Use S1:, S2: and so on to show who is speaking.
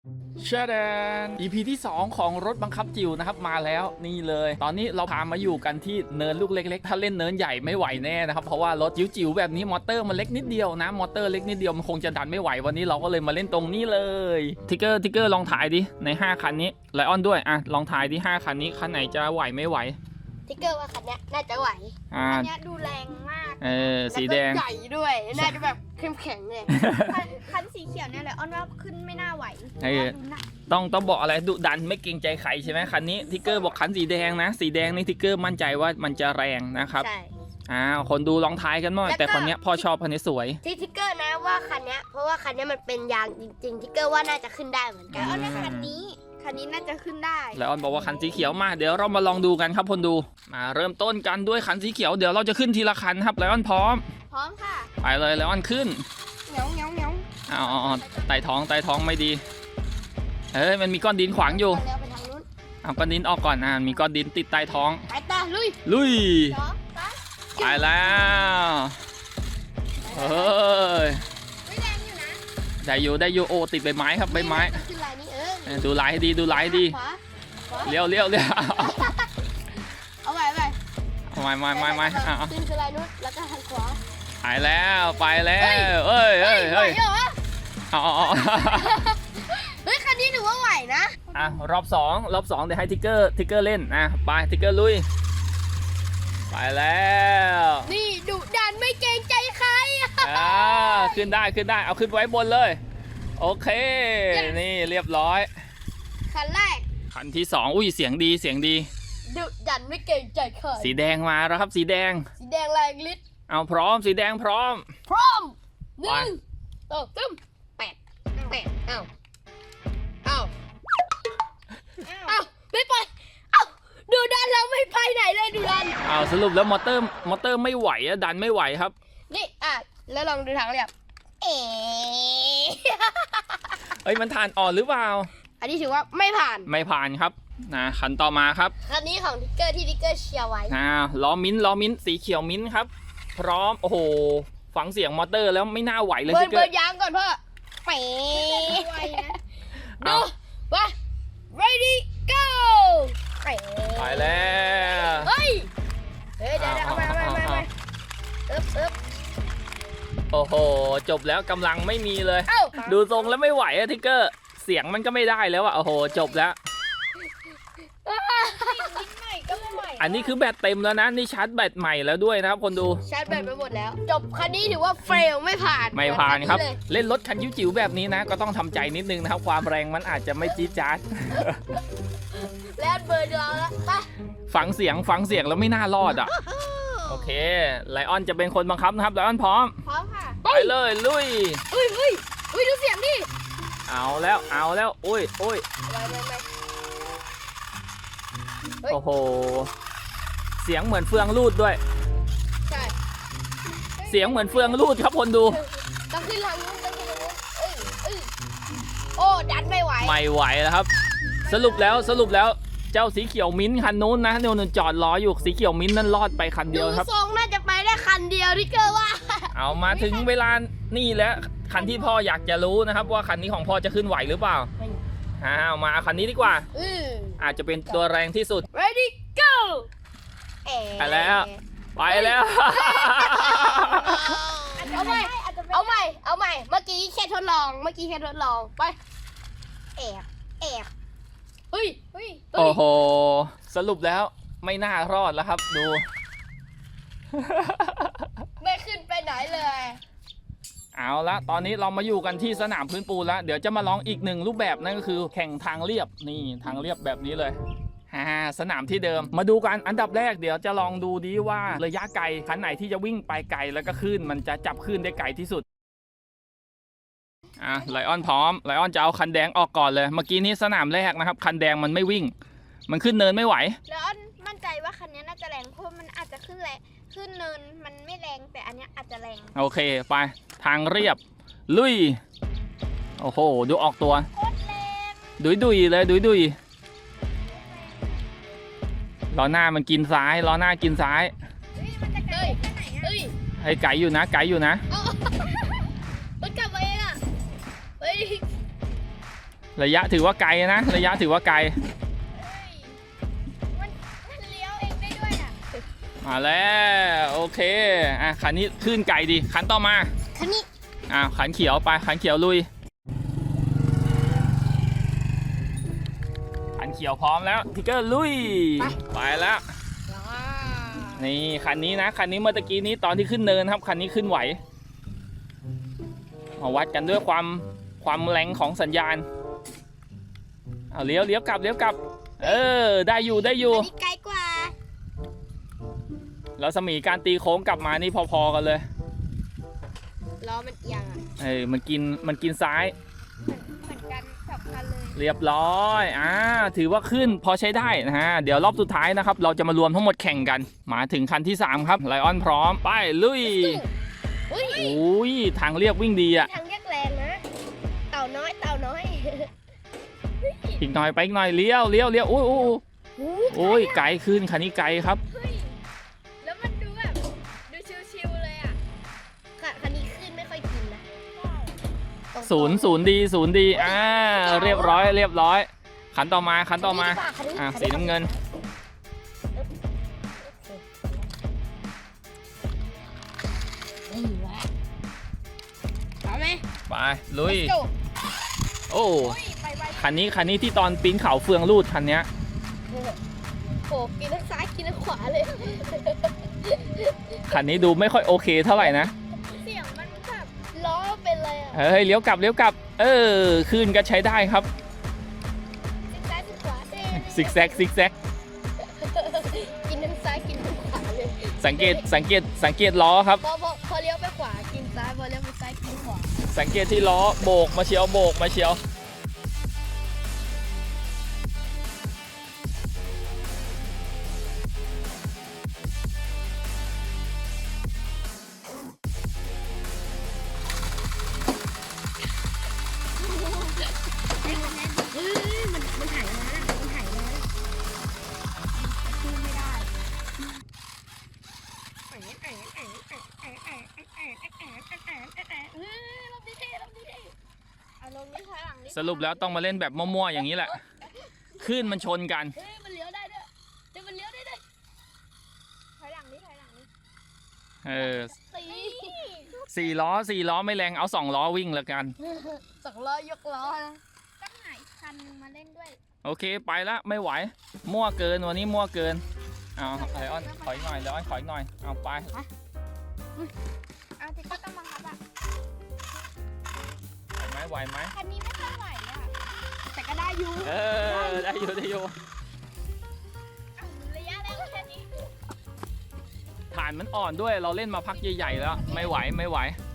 S1: เชดแดน EP ที่ 2 ของรถบังคับจิ๋วนะครับมาแล้วนี่เลยตอนนี้เราพามาอยู่กันที่เนินลูกเล็กๆถ้าเล่นเนินใหญ่ไม่ไหวแน่นะครับเพราะว่ารถจิ๋วๆแบบนี้มอเตอร์มันเล็กนิดเดียวนะมอเตอร์เล็กนิดเดียวมันคงจะดันไม่ไหววันนี้เราก็เลยมาเล่นตรงนี้เลยทิกเกอร์ลองถ่ายดิใน5คันนี้ไลออนด้วยอ่ะลองถ่ายดิ5คันนี้คันไหนจะไหวไม่ไหว
S2: ทิกเกอร์ว่าคันนี้น่าจะไหวคันนี้ดูแรงมาก
S1: สีแดง
S2: ใหญ่ด้วยน่าจะแบบเข้มแข็งเลยคันสีเขียวเนี่ยแหละอ้อนว่าขึ้นไม่น่าไหว
S1: ต้องบอกอะไรดุดันไม่เกรงใจใครใช่ไหมคันนี้ทิกเกอร์บอกคันสีแดงนะสีแดงนี่ทิกเกอร์มั่นใจว่ามันจะแรงนะครับ
S2: ใช่
S1: คนดูลองทายกันหน่อยแต่คนนี้พ่อชอบคันนี้สวย
S2: ที่ทิกเกอร์นะว่าคันนี้เพราะว่าคันนี้มันเป็นยางจริงๆทิกเกอร์ว่าน่าจะขึ้นได้เหมือนกันอ้อนว่าคันนี้น่าจะขึ้นได้
S1: แล้วออนบอกว่าคันสีเขียวมาเดี๋ยวเรามาลองดูกันครับคนดูมาเริ่มต้นกันด้วยคันสีเขียวเดี๋ยวเราจะขึ้นทีละคันครับแล้วออนพร้อม
S2: ค่ะ
S1: ไปเลยแล้วออนขึ้น
S2: เหนียว
S1: ไต่ท้องไม่ดีมันมีก้อนดินขวางอยู่เอาก้อนดินออกก่อนมีก้อนดินติดใต้ท้อง
S2: ไปตา
S1: ลุยไปแล้วได้อยู่โอ้ติดใบไม้ครับใบไม้ดูลายให้ดีเลี้ยว
S2: เอาไว้
S1: ไม่
S2: ขึ้นคือลายนู้นแล้วก็หันขวา
S1: ไปแล้วเฮ้ย
S2: คันนี้ถือว่าไหวนะ
S1: รอบสองเดี๋ยวให้ทิกเกอร์เล่นไปทิกเกอร์ลุยไปแล้ว
S2: นี่ดุดันไม่เกรงใจใคร
S1: ขึ้นได้เอาขึ้นไว้บนเลยโอเคนี่เรียบร้อย
S2: คันแรก
S1: คันที่2อุ้ยเสียงดี
S2: ดุดันไม่เกรงใจใคร
S1: สีแดงมาแล้วครับสีแดง
S2: แรงฤทธิ์
S1: เอาพร้อมสีแดงพร้อม
S2: 1 2 3 8เอาไม่ไปดูดันเราไม่ไปไหนเลยดูดัน
S1: สรุปแล้วมอเตอร์ไม่ไหวดันไม่ไหวครับ
S2: นี่แล้วลองดูทางเรียบ
S1: มันผ่านอ่อนหรือเปล่า
S2: อันนี้ถือว่าไม่ผ่
S1: านครับคันต่อมาครับ
S2: คันนี้ของทิกเกอร์ที่ทิกเกอร์เชียร์ไว้
S1: ล้อมิ้นสีเขียวมิ้นครับพร้อมโอ้โหฟังเสียงมอเตอร์แล้วไม่น่าไหวเลยทิกเกอร์
S2: เปิดยางก่อนเพื่อดูว่า ready go
S1: ไปแล้ว
S2: เดี๋ยวเอาไป
S1: โอ้โหจบแล้วกำลังไม่มีเลยดูทรงแล้วไม่ไหวทิกเกอร์เสียงมันก็ไม่ได้แล้วโอ้โหจบแล้วอันนี้คือแบตเต็มแล้วนะนี่ชาร์จแบตใหม่แล้วด้วยนะครับคนดู
S2: ชาร์จแบตไปหมดแล้วจบคันนี้ถือว่าเฟลไม่ผ่
S1: านครับเล่นรถคันจิ๋วๆแบบนี้นะก็ต้องทำใจนิดนึงนะครับความแรงมันอาจจะไม่จี๊ดจ๊าด
S2: แล้วเบอร์เราแล้วไป
S1: ฟังเสียงแล้วไม่น่ารอดโอเคไลออนจะเป็นคนบังคับนะครับไลออนพร้อม
S2: ค่ะ
S1: ไปเลยลุย
S2: ดูเสียงดิ
S1: เอาแล้วอุ้ยโอ้โหเสียงเหมือนเฟืองรูดด้วย
S2: ใช่
S1: เสียงเหมือนเฟืองรูดครับคนดู
S2: ต้องขึ้นทางนู้นโอ้ดันไม่ไห
S1: วแล้วครับสรุปแล้วเจ้าสีเขียวมิ้นคันนู้นนะเนี่ยจอดรออยู่สีเขียวมิ้นนั่นรอดไปคันเดียวครับ
S2: ทรงน่าจะไปได้คันเดียวที่เกิดว่า
S1: เอามาถึงเวลานี่แล้วคันที่พ่ออยากจะรู้นะครับว่าคันนี้ของพ่อจะขึ้นไหวหรือเปล่าเอามาคันนี้ดีกว่าอาจจะเป็นตัวแรงที่สุด
S2: ready go
S1: ไปแล้ว
S2: เอาใหม่เมื่อกี้แค่ทดลองไป
S1: โอ้โหสรุปแล้วไม่น่ารอดแล้วครับดู
S2: ไม่ขึ้นไปไหนเลย
S1: เอาละตอนนี้เรามาอยู่กันที่สนามพื้นปูนแล้วเดี๋ยวจะมาลองอีกหนึ่งรูปแบบนั่นก็คือแข่งทางเรียบนี่ทางเรียบแบบนี้เลยสนามที่เดิมมาดูกันอันดับแรกเดี๋ยวจะลองดูดีว่าระยะไกลคันไหนที่จะวิ่งไปไกลแล้วก็ขึ้นมันจะจับขึ้นได้ไกลที่สุดไลออนพร้อมไลออนจะเอาคันแดงออกก่อนเลยเมื่อกี้นี้สนามแรกนะครับคันแดงมันไม่วิ่งมันขึ้นเนินไม่ไหว
S2: ไลออนมั่นใจว่าคันนี้น่าจะแรงเพราะมันอาจจะขึ้นเนินมันไม่แรงแต่อันนี้อาจจะแรง
S1: โอเคไปทางเรียบลุยโอ้โหดูออกตัว
S2: โคตรแรง
S1: ดุยเลยล้อหน้ามันกินซ้าย
S2: มันจะไกลแค่ไหน
S1: ให้ไกลอยู่นะ
S2: มันกลับมาเอง
S1: ระยะถือว่าไกลนะระยะถือว่าไกล
S2: มันเลี้ยวเองได้ด้วยอ่ะ
S1: มาแล้วโอเคอ่ะคันนี้ขึ้นไกลดีคันต่อมา
S2: คันนี้
S1: ขันเขียวไปขันเขียวลุยขันเขียวพร้อมแล้วทิกเกอร์ลุยไปแล้วนี่คันนี้นะคันนี้เมื่อตะกี้นี้ตอนที่ขึ้นเนินครับคันนี้ขึ้นไหวมาวัดกันด้วยความแรงของสัญญาณเอาเลี้ยวกลับได้อยู่
S2: อันนี้ไกลกว่า
S1: แล้วสมีการตีโค้งกลับมานี่พอๆกันเลย
S2: ล้อมันเอียงอ่ะ
S1: มันกินซ้าย
S2: เหมือนกันสับคันเลย
S1: เรียบร้อยถือว่าขึ้นพอใช้ได้นะฮะเดี๋ยวรอบสุดท้ายนะครับเราจะมารวมทั้งหมดแข่งกันมาถึงคันที่3ครับไลออนพร้อมไปลุย อุ้ยทางเรียบวิ่งดีอะ
S2: ทางแยกแรงนะเต่าน้อย
S1: อีกหน่อยไปอีกหน่อยเลี้ยวโอ้ยไกลขึ้นคันนี้ไกลครับ
S2: แล้วมันดูแบบดูชิวๆเลยอ่ะคันนี้ขึ้นไม่ค่อยกินนะ
S1: ศูนย์ดีเรียบร้อยคันต่อมาสีน้ำเงิน
S2: เอาไหม
S1: ไปลุย
S2: Let's go
S1: โอ้
S2: ไป
S1: คันนี้ที่ตอนปีนเขาเฟืองรูดคันเนี้ย
S2: โอ้กินทั้งซ้ายกินทั้งขวาเลย
S1: คันนี้ดูไม่ค่อยโอเคเท่าไหร่นะ
S2: เสียงมันแบบล้อเป็นเลยอ่ะ
S1: เฮ้ยเลี้ยวกลับขึ้นก็ใช้ได้ครับ
S2: ซิกซ้ายซิกขวาเด้
S1: ซิกแซก
S2: กินทั้งซ้ายกินทั้งขวาเลย
S1: สังเกตล้อครับ
S2: พอเลี้ยวไปขวากินซ้ายพอเลี้ยวไปซ้ายกินขวา
S1: สังเกตที่ล้อโบกมาเชียว
S2: มันถ่ายมาขึ้นไม่ได้ลงดีเอาลงนี้ถอยหลังนี้
S1: สรุปแล้วต้องมาเล่นแบบมั่วๆอย่างนี้แหละขึ้นมันชนกัน
S2: เฮ้ยมันเลี้ยวได้ด้วยมันเลี้ยวได้ด้วยถอยหลังนี้
S1: สี่ล้อไม่แรงเอา2 ล้อวิ่งแล้วกัน
S2: 2 ล้อยกล้อนะต้องหาอีกคันมาเล่นด้วย
S1: โอเคไปละไม่ไหวมั่วเกินวันนี้มั่วเกินเอาไอออนขออีกหน่อยแล้วขออีกหน่อยเอาไป
S2: เอาที่ก็ต้องบังคับอ่ะ
S1: ไหวไหม
S2: คันนี้ไม่ค่อยไหวอ่ะแต่ก็ได้อยู่
S1: ได้อยู่
S2: ระยะแล้วแค่นี้
S1: ฐานมันอ่อนด้วยเราเล่นมาพักใหญ่ๆแล้วไม่ไหว